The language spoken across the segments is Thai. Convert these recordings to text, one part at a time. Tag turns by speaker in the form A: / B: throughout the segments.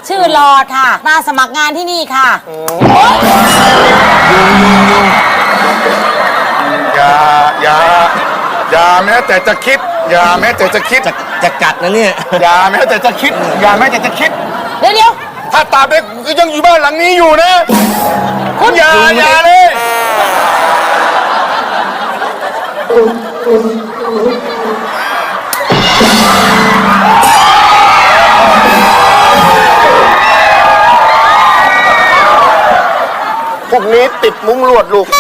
A: ชื่อหลอดค่ะ มาสมัครงานที่นี่ค่ะ
B: อย่าแม้แต่จะคิด อย่าแม้แต่จะคิด
C: จะกัดนะเนี่ย
B: อย่าแม้แต่จะคิด อย่าแม้แต่จะคิด
A: เดี๋ยว
B: ถ้าตราบใดก็ยังอยู่บ้านหลังนี้อยู่นะคุณอย่าเลยพวกนี้ติดมุ้งลวดลูก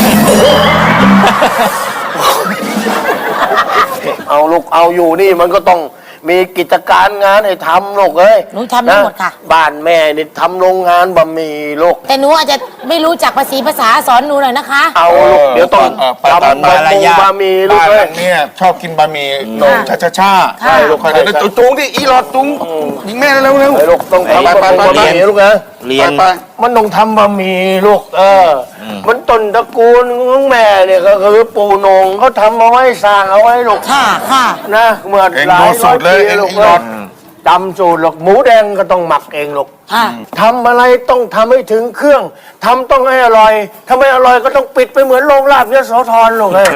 D: เอาลูกเอาอยู่นี่มันก็ต้องมีกิจการงานให้ทำลูกเอ้ย
A: หนูทำได้หมดค่ะ
D: บ้านแม่นี่ทำโรงงานบะหมี่ลูก
A: แต่หนูอาจจะไม่รู้จักภาษาสอนหนูหน่อยนะคะ
D: เอาลูกเดี๋ยวต้องทำบะหมี่ลูก
B: บ้านห
D: เอ้
B: ลั
D: ย
B: งนี้ชอบกินบะหมี่นมช้า
A: ค่ะ
B: ลูกเดี๋ยวจุงที่อีหลอดจุงยิงแม่เร็ว
D: ไอ้ลูกต้องทำบะหมี่ลูกนะ
C: เรียน
B: ไป
D: มันต้องทำบะหมี่ลูกมันต้นตระกูลของแม่เนี่ยก็คือปู่โหนงเขาทำเอาไว้สร้างเอาไว้ลูก
A: ค่ะ
D: นะเมื่อ
B: เอง
D: หลา
B: ดู
D: ย
B: สูตรเลย
D: ปี
B: เอง
D: ลูก
B: อีหลอด
D: จำสูตรหรอกหมูแดงก็ต้องหมักเองลูก
A: ค่ะ
D: ทำอะไรต้องทำให้ถึงเครื่องทำต้องให้อร่อยถ้าไม่อร่อยก็ต้องปิดไปเหมือนโรงลาบยโสธรลูกเอ้ย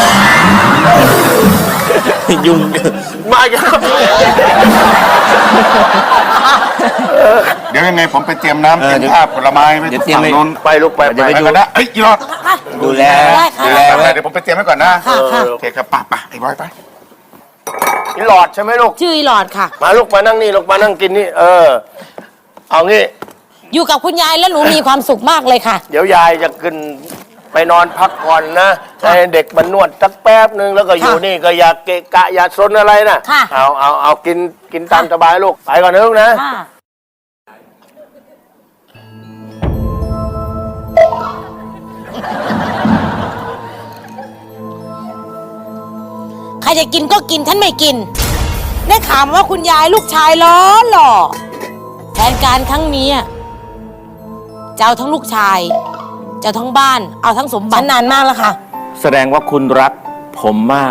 C: ยุ่ง
D: มาอีกครับ
B: เดี๋ยวยังไงผมไปเตรียมน้ำเตรียมผ้าผลไม้ไว้ฝั่งนู้น
D: ไปลูกไป
C: เดี๋ยวไป
B: ไปกันนะเอ้ยอีหลอด
C: ดูแล
A: ได้ค่ะ
B: ดูแลไว้เดี๋ยวผมไปเตรียมไว้ก่อนนะ
A: ค่ะ
B: โอเคครับไปไอ้บอยไป
D: นี่หลอดใช่ไหมลูก
A: ชื่ออีหลอดค่ะ
D: มาลูกมานั่งนี่ลูกมานั่งกินนี่เอางี้
A: อยู่กับคุณยายแล้วหนูมีความสุขมากเลยค่ะ
D: เดี๋ยวยายจะขึ้นไปนอนพักผ่อนนะให้เด็กมันนวดสักแป๊บนึงแล้วก็อยู่นี่ก็อย่าเกะกะอย่าซนอะไรนะ
A: ค่ะ
D: เอากินตามสบายลูกไปก่อนนะลูกนะ
A: ค่ะใครจะกินก็กินฉันไม่กิน ได้ข่าวมาว่าคุณยายลูกชายล้อหล่อแผนการครั้งนี้จะเอาทั้งลูกชายจะเอาทั้งบ้านเอาทั้งสมบัตินานมากแล้วค่ะ
C: แสดงว่าคุณรักผมมาก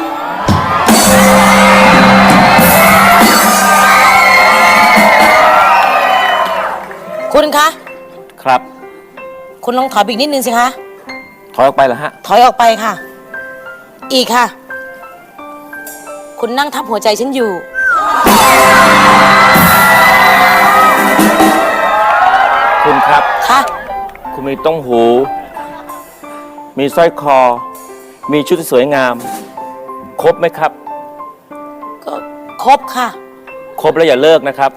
A: คุณคะ
C: ครับ
A: คุณลองถอยไปอีกนิดนึงสิคะ
C: ถอยออกไปเหรอฮะ
A: ถอยออกไปค่ะ อีกค่ะ คุณนั่งทับหัวใจฉันอยู่
C: คุณครับ
A: ค่ะ
C: คุณมีต้งหู มีสร้อยคอ มีชุดที่สวยงาม ครบไหมครับ
A: ก็ครบค่ะ
C: ครบแล้วอย่าเลิกนะครับ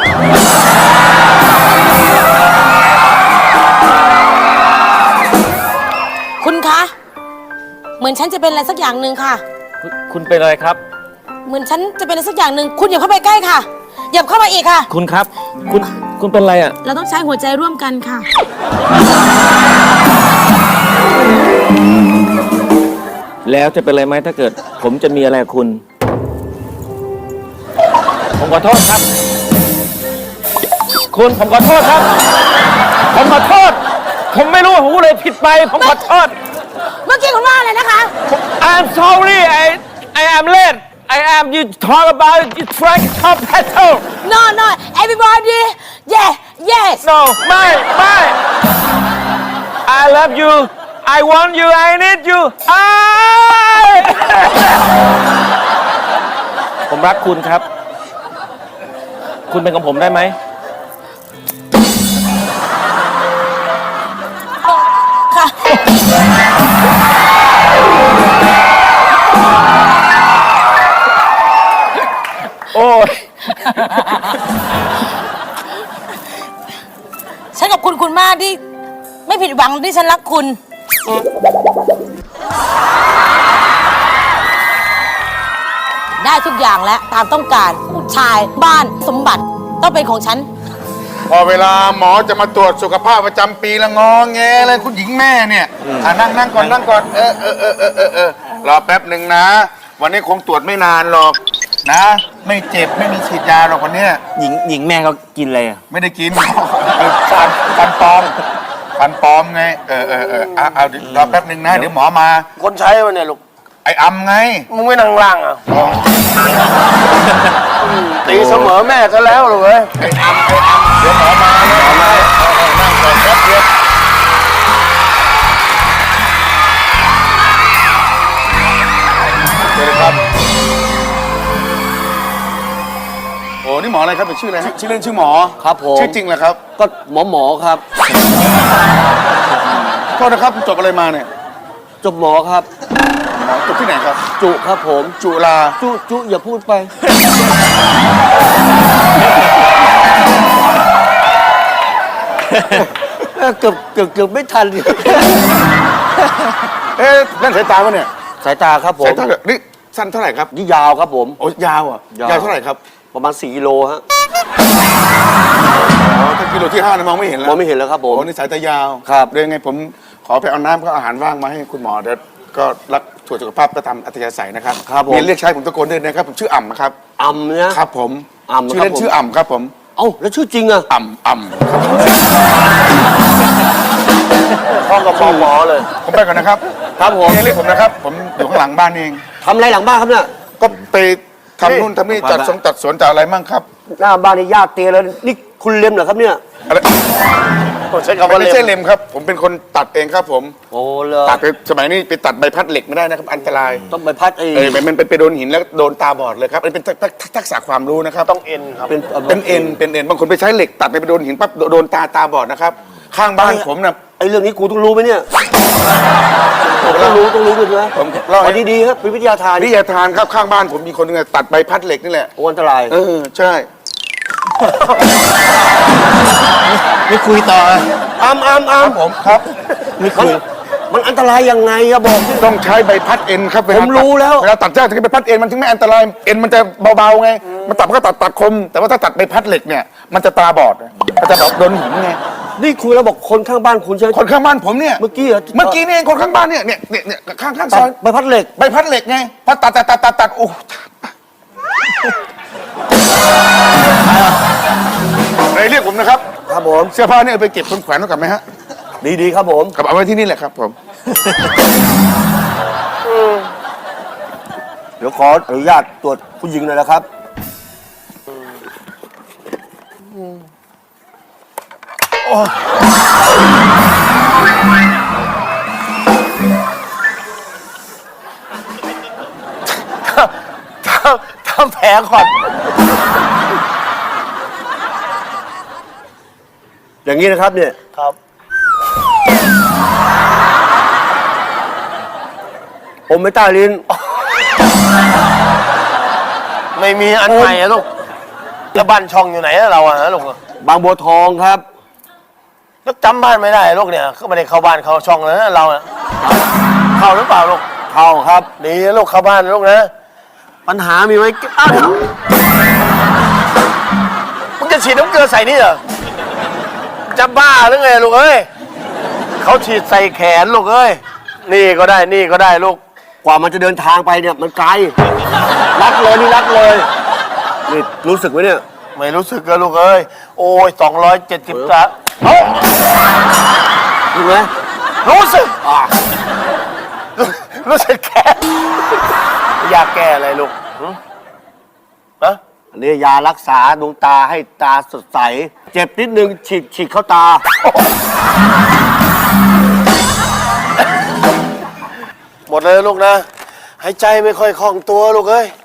A: คุณคะ เหมือนฉันจะเป็นอะไรสักอย่างหนึ่งค่ะ
C: คุณเป็นอะไรครับ
A: เหมือนฉันจะเป็นอะไรสักอย่างหนึ่งคุณอย่าเข้าไปใกล้ค่ะอย่าเข้ามาอีกค่ะ
C: คุณครับ คุณเป็นอะไรอ่ะ
A: เราต้องใช้หัวใจร่วมกันค่ะ
C: แล้วจะเป็นอะไรไหมถ้าเกิด ผมจะมีอะไรกับคุณ ผมขอโทษครับ คุณผมขอโทษครับ ผมขอโทษ ผมไม่รู้ผมเลยผิดไป ผมขอโทษ
A: เมื่อกี้คุณว่าอะไรนะคะ
C: I'm sorry I am late I am you talk about you track top battle
A: no no everybody yeah yes
C: no ไม่ I love you I want you I need youผมรักคุณครับ คุณเป็นของผมได้ไหม
A: ค่ะ
C: โอ้ย
A: ฉันกับคุณมากที่ไม่ผิดหวังที่ฉันรักคุณ ได้ทุกอย่างแล้วตามต้องการผู้ชายบ้านสมบัติต้องเป็นของฉัน
B: พอเวลาหมอจะมาตรวจสุขภาพประจำปีละงอแงเลยคุณหญิงแม่เนี่ยนั่งก่อนรอแป๊บหนึ่งนะ วันนี้คงตรวจไม่นานหรอกนะ ไม่เจ็บไม่มีฉีดยาหรอกวันเนี้ย
C: หญิงแม่เขากินอะไรอ่ะ
B: ไม่ได้กินฟันปลอมไงเอารอแป๊บหนึ่งนะเดี๋ยวหมอมา
D: คนใช้มันเนี่ยลูก
B: ไอ้อำไง
D: มึงไม่นั่งล่างตีเสมอแม่ซะแล้วลูกเอ้ย
B: ไอ้อำอะไรครับเป็นชื่ออะไรฮะชื่อเล่นชื่อหมอ
D: ครับผม
B: ชื่อจริงเหรอครับ
D: ก็หมอครับ
B: โทษนะครับจบอะไรมาเนี่ย
D: จบหมอครับ
B: หมอจบที่ไหนครับ
D: จุครับผม
B: จุฬา
D: จุอย่าพูดไป เกือบไม่ทัน
B: เอ๊ะนั่นสายตาวะเนี่ย
D: สายตาครับผม
B: สายตาเหรอนี่สั้นเท่าไหร่ครับ
D: นี่ยาวครับผม
B: โอ้ยาวอ่ะ
D: ยาว
B: ยาวเท่าไหร่ครับ
D: ประมาณ4 กิโลฮะ
B: อ๋อถ้ากิโลที่5นะมองไม่เห็นแล้ว
D: มองไม่เห็นแล้วครับผม
B: โอ้นี่สายตายาว
D: ครับ
B: เดี๋ยวยังไงผมขอไปเอาน้ำก็อาหารว่างมาให้คุณหมอเดี๋ยวก็รักตรวจสุขภาพก็ทำอัธยาศัยนะครับ
D: ครับผม
B: มีเรียกใช้ผมตะโกนด้วยนะครับผมชื่ออ่ำนะครับ
D: อ่ำเนี่ย
B: ครับผม
D: อ่ำ
B: ชื่อเล่น
D: ครับผม
B: ชื่ออ่ำครับผม
D: เอ้าแล้วชื่อจริงอะ
B: อ่ำครับผม
D: พ่อกับหมอเลย
B: ผมไปก่อนนะครับ
D: ครับผม
B: เรียกผมนะครับ ผมอยู่ข้างหลังบ้านเอง
D: ทำอะไรหลังบ้านครับเนี่ย
B: ก็ไปทำนู่นทำนี่จัดสวนจัดอะไรมั่งครับ
D: หน้าบ้านนี่ญาติเตียแล้วนี่คุณเล็มเหรอครับเนี่ย
B: อะไร
D: ผมใช้คำ
B: มัน
D: ว่า
B: ไม่ใช่เล็มครับ ผมเป็นคนตัดเองครับผม
D: โอ้เลย
B: ตัดไปสมัยนี้ไปตัดใบพัดเหล็กไม่ได้นะครับอันตราย
D: ต้องไปพัดไอ้
B: มันไปโดนหินแล้วโดนตาบอดเลยครับอันนี้เป็นทักษะความรู้นะครับต้องเอ็นครับ
D: เป็น
B: เป็นเอ็นบางคนไปใช้เหล็กตัดไปโดนหินปั๊บโดนตาบอดนะครับข้างบ้านผมนะ
D: ไอ้เรื่องนี้กูต้องรู้ไหมเนี่ยต้องรู้ด้วยใช่ไหม
B: ผมเล่าให้
D: เอาดีๆครับเป็นวิทยาทาน
B: วิทยาทานครับข้างบ้านผมมีคนหนึงอะตัดใบพัดเหล็กนี่แหละ
D: โอ้อันตราย
B: ใช่
C: ไม่คุยต่อ
D: อ้ำ
B: ผมครับ
C: ไม่คุย
D: มันอันตรายยังไงอะบอกดิ
B: ต้องใช้ใบพัดเอ็นครับเา
D: ผมรู้แล้ว
B: เวลาตัดหญ้าถึงใบพัดเอ็นมันถึงไม่อันตรายเอ็นมันจะเบาๆไงมันตัดมันก็ตัดคม แต่ว่าถ้าตัดใบพัดเหล็กเนี่ยมันจะตาบอดมันจะแบบโดนหินไง
D: นี่คุยแล้วบอกคนข้างบ้านคุณใช่ไหม
B: คนข้างบ้านผมเนี่ย
D: เมื่อกี้เหรอ
B: เมื่อกี้นี่เองคนข้างบ้านเนี่ยข้างซอย
D: ใบพัดเหล็ก
B: ใบพัดเหล็กไงพอตัดโอ้เลยเรียกผมนะครับ
D: ครับผม
B: เสื้อผ้าเนี่ยเอาไปเก็บคนแขวนไว้กับไหมฮะ
D: ดีๆครับผม
B: กับเอาไว้ที่นี่แหละครับผม
D: เดี๋ยวขออนุญาตตรวจผู้หญิงหน่อยนะครับ ทำแผลก่อน อย่างนี้นะครับเนี่ย ครับ ผมไม่ใต้ลิ้น
E: ไม่มีอันใหม่อะลูกแล้วบ้านช่องอยู่ไหนอะเราอะฮะลูก
D: บางบัวทองครับ
E: แล้วจำบ้านไม่ได้ลูกเนี่ยก็ไม่ได้เข้าบ้านเข้าช่องเลยนะเราอะเข้าหรือเปล่าลูก
D: เข้าครับ
E: ดีนะลูกเข้าบ้านนะลูกนะปัญหามีไว้อ้าวมึงจะฉีดน้ำเกลือใส่นี่เหรอจะบ้าหรือไงลูกเอ้ยเขาฉีดใส่แขนลูกเอ้ยนี่ก็ได้นี่ก็ได้ลูก
D: กว่ามันจะเดินทางไปเนี่ยมันไกล รักเลยนี่รักเลย นี่รู้สึกไหมเนี่ย
E: ไม่รู้สึกเลยลูกเอ้ยโอ้ย270จ้ะ
D: รู้ไหม
E: รู้สึกรู้สึกแก่อยากแก้อะไรลูกนะ
D: อันนี้ยารักษาดวงตาให้ตาสดใส เจ็บนิดนึงฉีดเข้าตา
E: หมดเลยลูกนะหายใจไม่ค่อยคล่องตัวลูกเอ้ย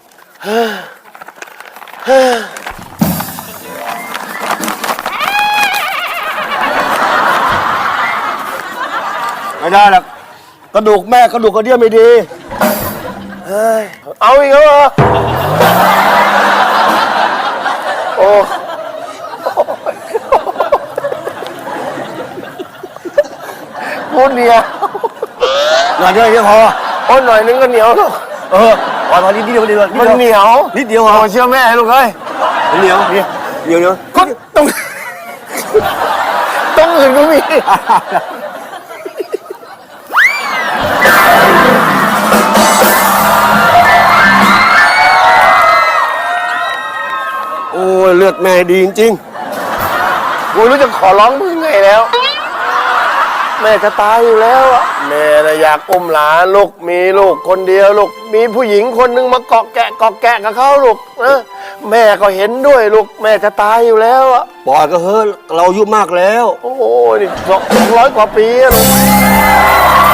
D: ไม่ได้หรอกกระดูกแม่กระดูกกระเดี่ยวไม่ดี
E: เอาอีกแล้วเหรอโอ้พูดเหนียว
D: หน่อยเดียวพอ
E: โอ้หน่อยนึงก็เหนียวลูก
D: พอนิดเดียวนิดเดียว
E: มันเหนียว
D: นิดเดียวพอ
E: โอ้เชื่อแม่ลูกเอ้ย
D: เหนียวเดี๋ยว
E: ก็ต้องอื่นก็มี
D: โอ้ยเลือดแม่ดีจริง
E: กูรู้จะขอร้องมึงไงแล้ว แม่จะตายอยู่แล้วอะแม่นะอยากอุ้มหลานลูกมีลูกคนเดียวลูกมีผู้หญิงคนหนึงมาเกาะแกะกับเขาลูกนะแม่ก็เห็นด้วยลูกแม่จะตายอยู่แล้วอะ
D: ๆปล่อยก็เฮ้ยเราอายุมากแล้ว
E: โอ้โหนี่200 กว่าปีอะลูก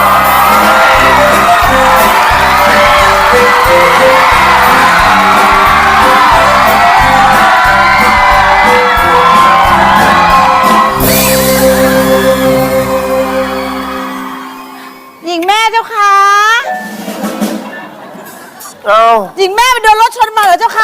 E: เอา
A: หญิงแม่ไปโดนรถชนมาเหรอเจ้าคะ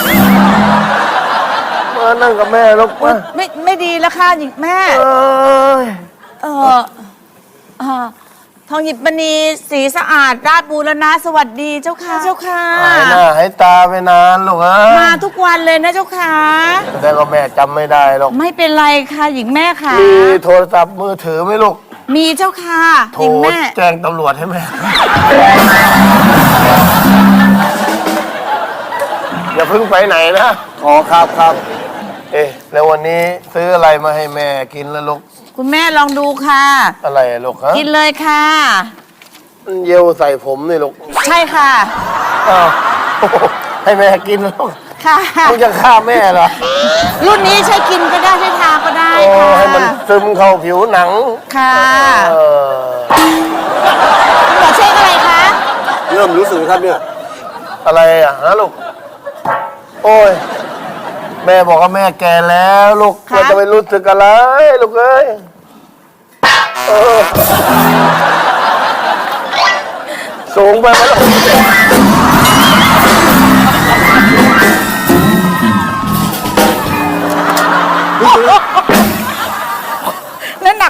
E: มานั่งกับแม่ลูกมา
A: ไม่ดีแล้วค่ะหญิงแม่
E: เอ้ย
A: เออเอ่อทองหยิบมณีสีสะอาดราชบูรณะสวัสดีเจ้าค่ะเจ้าค่ะ
E: หายหน้าหายตาไปนานลูกฮะ
A: มาทุกวันเลยนะเจ้าค่ะ
E: แต่ก็แม่จำไม่ได้หรอก
A: ไม่เป็นไรค่ะหญิงแม่ค่ะ
E: มีโทรศัพท์มือถือไหมลูก
A: มีเจ้าค่ะ
E: โท
A: ห
E: ร
A: ญิงแม่
E: แจ้งตำรวจให้แม่อย่าเพิ่งไปไหนนะอ๋อครับ เอ๊ะแล้ววันนี้ซื้ออะไรมาให้แม่กินแล้วลูก
A: คุณแม่ลองดูค่ะ
E: อะไรอะลูกฮะ
A: กินเลยค่ะ
E: มันเยลใส่ผมนี่ลูก
A: ใช่ค่ะ
E: อ้าวโอ้โหให้แม่กินลูก
A: ค่ะ
E: มึงจะฆ่าแม่เหรอ
A: รุ่นนี้ใช้กินก็ได้ใช้ทาก็ได้
E: โอ้
A: ค่ะ
E: ให้มันซึมเข้าผิวหนัง
A: ค่ะ
E: เออ
A: คุณหมอเช็คอะไรคะ
E: เริ่มรู้สึกครับเนี่ย อะไรอ่ะฮะลูก โอ้ย แม่บอกว่าแม่แก่แล้วลูก
A: คะ
E: เราจะไปรู้สึกอะไรลูกเอ้ยเออสูงไปไหมลูก
A: แล้วหนัก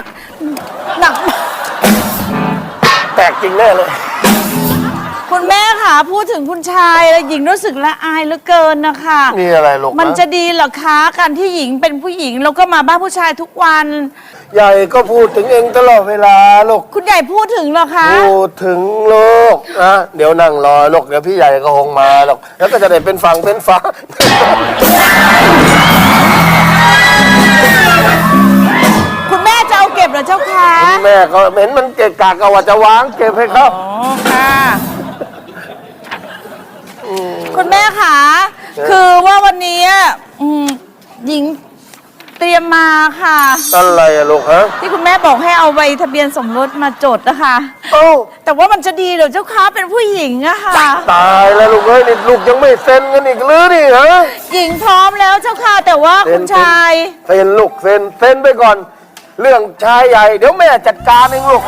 E: แตกจริงแน่เลย
A: คุณแม่ค่ะพูดถึงคุณชายแล้วหญิงรู้สึกละอายเหลือเกินนะคะ
E: นี่อะไรลูก
A: มันจะดีเหรอคะการที่หญิงเป็นผู้หญิงแล้วก็มาบ้านผู้ชายทุกวัน
E: ใหญ่ก็พูดถึงเองตลอดเวลาลูก
A: คุณใหญ่พูดถึงเหรอคะ
E: พูดถึงลูกนะเดี๋ยวนั่งรอลูกเดี๋ยวพี่ใหญ่ก็คงมาหรอกแล้วก็จะได้เป็นฝั่งเป็นฝา
A: คุณแม่จะเอาเก็บเหรอเจ้าคะ
E: แม่ก็เห็นมันเกะกะก็ว่าจะวางเก็บให้เขา
A: อ๋อค่ะคุณแม่ค่ะคือว่าวันนี้หญิงเตรียมมาค่ะ
E: อะไรอะลูกฮะ
A: ที่คุณแม่บอกให้เอาใบทะเบียนสมรสมาจดนะคะ
E: เอ้า
A: แต่ว่ามันจะดีเหรอเจ้าคะเป็นผู้หญิงอะค่ะ
E: ตายแล้วลูกเอ้ยนี่ลูกยังไม่เซ็นกันอีกหรือนี่ฮะ
A: หญิงพร้อมแล้วเจ้าค่ะ แต่ว่าคุณชาย
E: เซ็นลูกเซ็นไปก่อน เรื่องชายใหญ่เดี๋ยวแม่จัดการเองลูก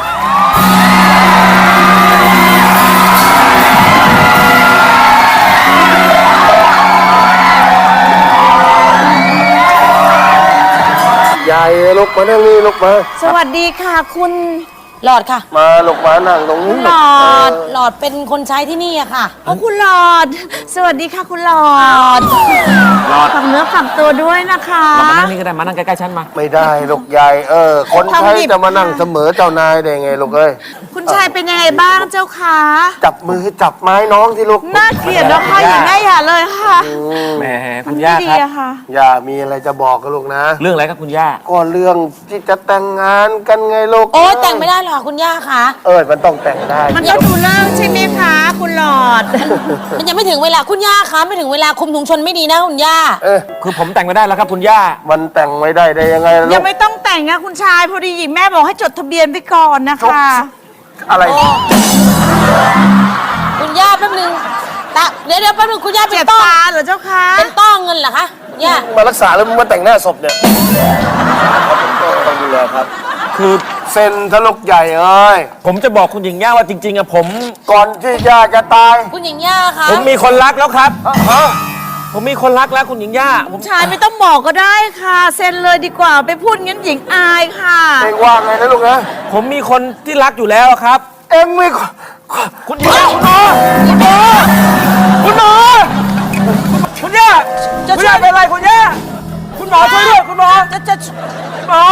E: ใหญ่ลูกมานั่งนี่ลูกมา
A: สวัสดีค่ะ คุณหลอดค่ะ
E: มาลูกมานั่งตรงนี้
A: หลอดหลอดเป็นคนใช้ที่นี่อะค่ะโอ้คุณหลอด สวัสดีค่ะคุณหลอดฝากเนื้อฝากตัวด้วยนะคะ
C: มานั่งนี่ก็ได้มานั่งใกล้ๆฉันมา
E: ไม่ได้ลูกใหญ่คนใช้จะมานั่งเสมอเจ้านายได้ไงลูกเอ้ย
A: คุณชายเป็นยังไงบ้างเจ้าคะ
E: จับมือจับไม้น้องที่ลูก
A: น่าเกลียดนะคะอย่างง่ายอย่าเลยค่ะ
C: แหมคุ
A: มัน
C: ณ
A: ไม่
C: ย่า
A: ดี
C: ครับ
A: อะค่ะ
E: อย่ามีอะไรจะบอกกับลูกนะ
C: เรื่องอะไรครับคุณย่า
E: ก็เรื่องที่จะแต่งงานกันไงลูก
A: โอ้ยแต่งไม่ได้หรอกคุณย่าค่ะ
E: มันต้องแต่งได้
A: มันก็ดูเลิกใช่ไหมคะ คุณหลอด มันยังไม่ถึงเวลาคุณย่าคะไม่ถึงเวลาคุมถุงชนไม่ดีนะคุณย่า
C: คือผมแต่งไม่ได้แล้วครับคุณย่า
E: มันแต่งไม่ได้ยังไงล่ะลู
A: ยัง
E: ก
A: ไม่ต้องแต่งนะคุณชายพอดีหญิงแม่บอกให้จดทะเบียนไปก่อนนะคะ
E: อะไร
A: คุณย่าแป๊บนึงเดี๋ยวแป๊บนึงคุณย่าเป็นต้อเหรอเจ้าคะเป็นต้อเงินเหรอคะคุณย่า
E: มารักษาแล้วมึงมาแต่งหน้าศพเนี่ยต้องดูแลครับ
C: คือ
E: เซ็นทะลุกใหญ่เอ้ย
C: ผมจะบอกคุณหญิงย่าว่าจริงๆอะผม
E: ก่อนที่ย่าจะตาย
A: คุณหญิงย่าคะ
C: ผมมีคนรักแล้วครับ ผมมีคนรักแล้วคุณหญิงย่าผม
A: ชายไม่ต้องบอกก็ได้ค่ะเซ็นเลยดีกว่าไปพูดงั้นหญิงอายค่ะ
E: เองว่าไงนะลูกนะ
C: ผมมีคนที่รักอยู่แล้วครับ
E: เองไม่
C: คุณหญิงย่าคุณหมอคุณย่าคุณย่าเป็นไรคุณย่าคุณหมอช่วยด้วยคุณหมอคุณหมอ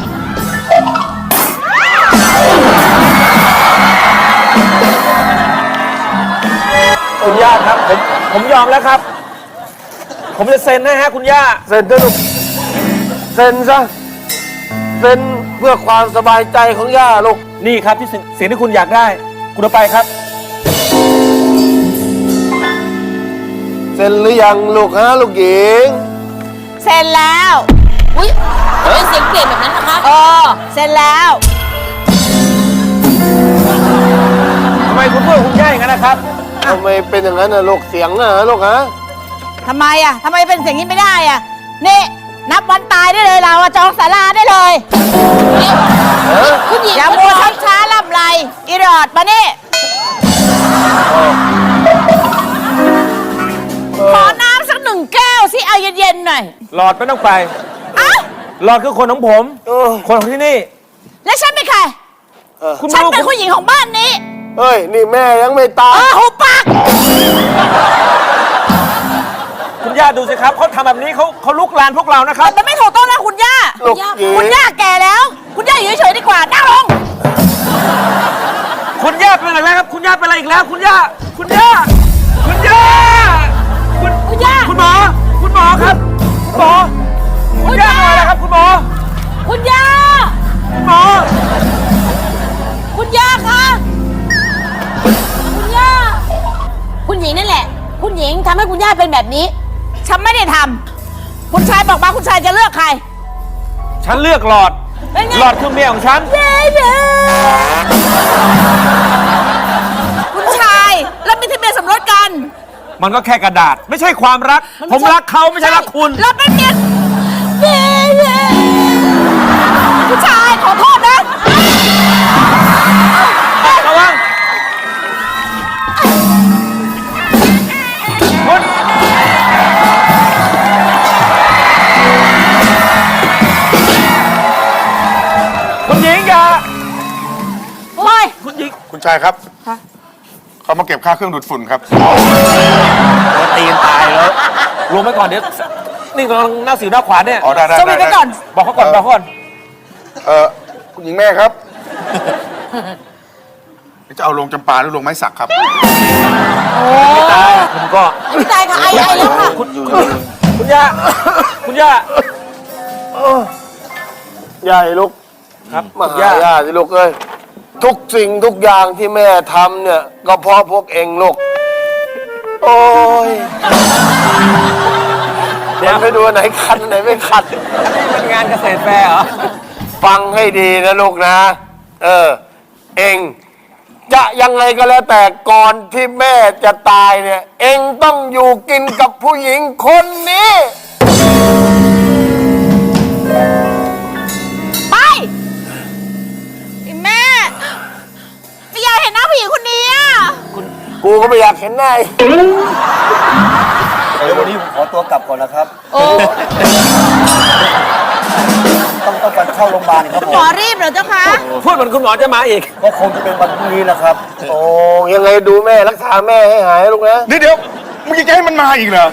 C: คุณย่าครับผมยอมแล้วครับ ผมจะเซ็นให้ฮะคุณย่า
E: เซ็นเถอะลูกเซ็นซะเซ็นเพื่อความสบายใจของย่าลูก
C: นี่ครับที่สิ่งที่คุณอยากได้ คุณเอาไปครับ
E: เซ็นหรือยังลูกฮะลูกหญิง
A: เซ็นแล้วอุ้ยทำไมเสียงเปลี่ยนแบบนั้นนะคะเซ็นแล้ว
C: ทำไมคุณพูดกับคุณย่าอย่างนั้นนะครับ
E: ทำไมเป็นอย่างนั้นนะลูกเสียงนะลูกฮะ
A: ทำไมอ่ะทำไมเป็นเสียงนี้ไม่ได้อ่ะนี่นับวันตายได้เลยเราอะจองศาลาได้เลยคุณหญิงอย่ามัวช้าล่ำไรอีรอดมานี่ 1 แก้วสิเอาเย็นๆหน่อย
C: หลอดไม่ต้องไป
A: อ้าว
C: หลอดคือคนของผม คนของที่นี่
A: แล้วฉันเป็นใคร
C: คุณ
A: ฉัน
C: รู้
A: เป็นผู้หญิงของบ้านนี้
E: เฮ้ย นี่แม่ยังไม่ตาย
A: หุบปาก
C: คุณย่าดูสิครับเขาทำแบบนี้เขาลุกลานพวกเรานะครับ
A: มันไม่ถูกต้องนะคุณย่า
E: ลูกหยี
A: คุณย่าแก่แล้ว คุณย่าอยู่เฉยๆดีกว่านั่งลง
C: คุณย่าเป็นอะไรครับ คุณย่าเป็นอะไรอีกแล้ว คุณย่า คุณย่า คุณย่า
A: คุณย่า
C: คุณหมอ คุณหมอครับคุณหมอ คุณย่าเป็นอะไรครับ คุณหมอ
A: คุณย่า
C: คุณหมอ
A: คุณย่าคะคุณย่า คุณหญิงนั่นแหละ คุณหญิงทำให้คุณย่าเป็นแบบนี้ ฉันไม่ได้ทำคุณชายบอกมาคุณชายจะเลือกใคร
C: ฉันเลือกหลอด
A: เป็นไง
C: หลอดคือเมียของฉัน
A: เย้คุณชายเรามีทะเบียนสมรสกัน
C: มันก็แค่กระดาษ ไม่ใช่ความรัก
A: น
C: ผม
A: ไใช่
C: รักเขาไม่ใช่รักคุณ
A: เราเป็นเมียคุณชายขอโทษนะ
C: ระวังคุณคุณหญิงอย่า
A: โอ้ย
C: คุณหญิง
B: คุณชายครับเขามาเก็บค่าเครื่องดูดฝุ่นครับ
C: ตีนตายแล้วรวมไว้ก่อนเดี๋ยวนี่กำลังหน้าสิวหน้าขวานเนี่ย
B: อ๋อได้ได้
A: สวีทไปก่อน
C: บอกเขาก่อนบอกเขาก่อน
B: คุณหญิงแม่ครับจะเอาลงจำปาหรือลงไม้สักครับ
C: ตายคุณก็
A: ไม่ตายค่ะไอแล้วค่ะ
C: คุณย่าคุณย่า
E: ใหญ่ลูก
C: ครับ
E: มา
C: คุณ
E: หา
C: ย่า
E: ย่าสิลูกเอ้ย ทุกสิ่งทุกอย่างที่แม่ทำเนี่ย ก็เพราะพวกเองลูก โอ้ย
C: เดี๋ยว
E: มันไปดูอันไหนคันอันไหนไม่คัน
C: เป็นงานเกษตรแฟร์เหรอ
E: ฟังให้ดีนะลูกนะ เองจะยังไงก็แล้วแต่ก่อนที่แม่จะตายเนี่ย เองต้องอยู่กินกับผู้หญิงคนนี้
A: ไปแม่ไม่อยากเห็นหน้าผู้หญิงคนนี้อ่ะ
E: กูก็ไม่อยากเห็นหน้า
F: เดี๋ยววันนี้ผมขอตัวกลับก่อนนะครับ
A: โอ้
F: ต้องไปเข้าโรงพยาบาลครับผ
A: หม
F: ม
A: อรีบเหรอเจ้าคะ
C: พูดเหมือนคุณหมอจะมาอีก
F: ก็คงจะเป็นวันพรุ่งนี้นะครับ
E: โอ้ยังไงดูแม่รักษาแม่ให้หายลูกนะ
B: นี่เดี๋ยวมึงจะให้มันมาอีกเหรอ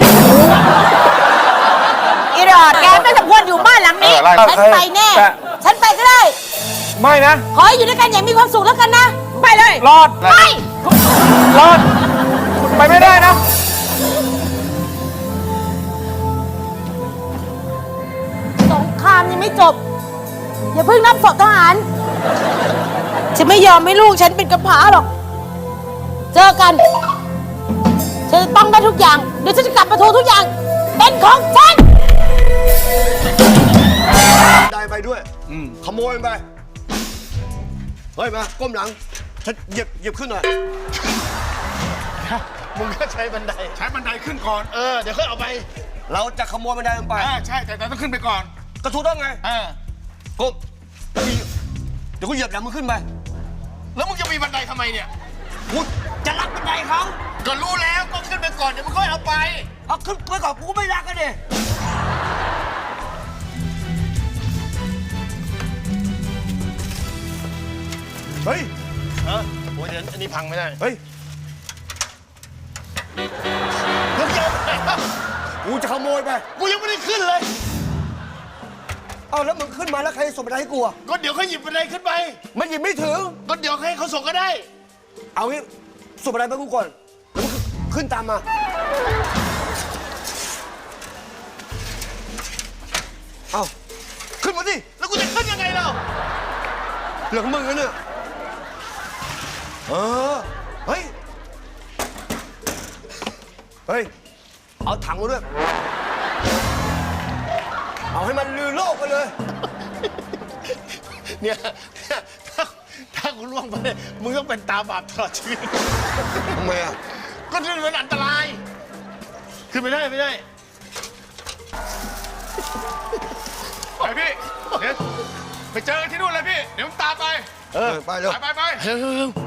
A: อีรอดแกไม่สมควรอยู่บ้านหลังนี้
B: ไล่
A: ฉันไปแน่
C: แต่
A: ฉันไปก็ได้
C: ไม่นะ
A: ขอให้อยู่ด้วยกันอย่างมีความสุขแล้วกันนะ ไปเลย
C: รอด
A: ไป
C: รอดคุณไปไม่ได้นะ
A: สงครามยังไม่จบ อย่าเพิ่งนับศพทหาร ฉันไม่ยอมให้ลูกฉันเป็นกำพร้าหรอก เจอกัน ฉันจะต้องได้ทุกอย่าง เดี๋ยวฉันจะกลับมาทวงทุกอย่าง เป็นของฉัน
G: ได้ไปด้วยขโมยมันไป เฮ้ย มา ก้มหลังฉันเหยียบขึ้นหน่อย
B: มึงก็ใช้บันได ใช้บันไดขึ้นก่อน
G: เดี๋ยวค่อยเอาไป เราจะขโมยมันได้มันไป
B: ใช่ แต่ต้องขึ้นไปก่อน
G: ก็ถูกต้องไงก้มแล้วเดี๋ยวกูเหยียบหลังมึงขึ้นไป
B: แล้วมึงจะมีบันไดทำไมเนี่ย
G: กูจะรักบันไดเขา
B: ก็รู้แล้วก็ขึ้นไปก่อนเดี๋ยวมึงค่อยเอาไป
G: เอาขึ้นไปก่อนกูก็ไม่รักกันดิ เฮ้ยโอ้ยเดี๋ยวอันนี้พังไม่ได้ เฮ้ยมึงจะเอาไปไหนกูจะขโมยไป กูยังไม่ได้ขึ้นเลย เอาแล้วมึงขึ้นมาแล้วใครส่งบันไดให้กูอ่ะ
B: ก็เดี๋ยวเขาหยิบบันไดขึ้นไป
G: มันหยิบไม่ถึง
B: ก็เดี๋ยวให้เขาส่งก็ได้
G: เอางี้ส่งบันไดไปกูก่อน แล้วมึงขึ้นตามมา เอาขึ้นมาดิ
B: แล้วกูจะขึ้นยังไงเรา
G: เหลืองมึงนะเนี่ยเฮ้ย เฮ้ย เอาถังมาด้วย เอาให้มันลือโลกไปเลย
B: เนี่ยถ้ากูล่วงไปเนี่ยมึงต้องเป็นตาบาปตลอดชีวิต
G: ทำไมอ่ะ
B: ก็นี่มันอันตราย ขึ้นไม่ได้ไม่ได้ไปพี่ เดี๋ยวไปเจอกันที่นู่นเลยพี่ เดี๋ยวผมตามไป
G: ไปเร็ว
B: ไป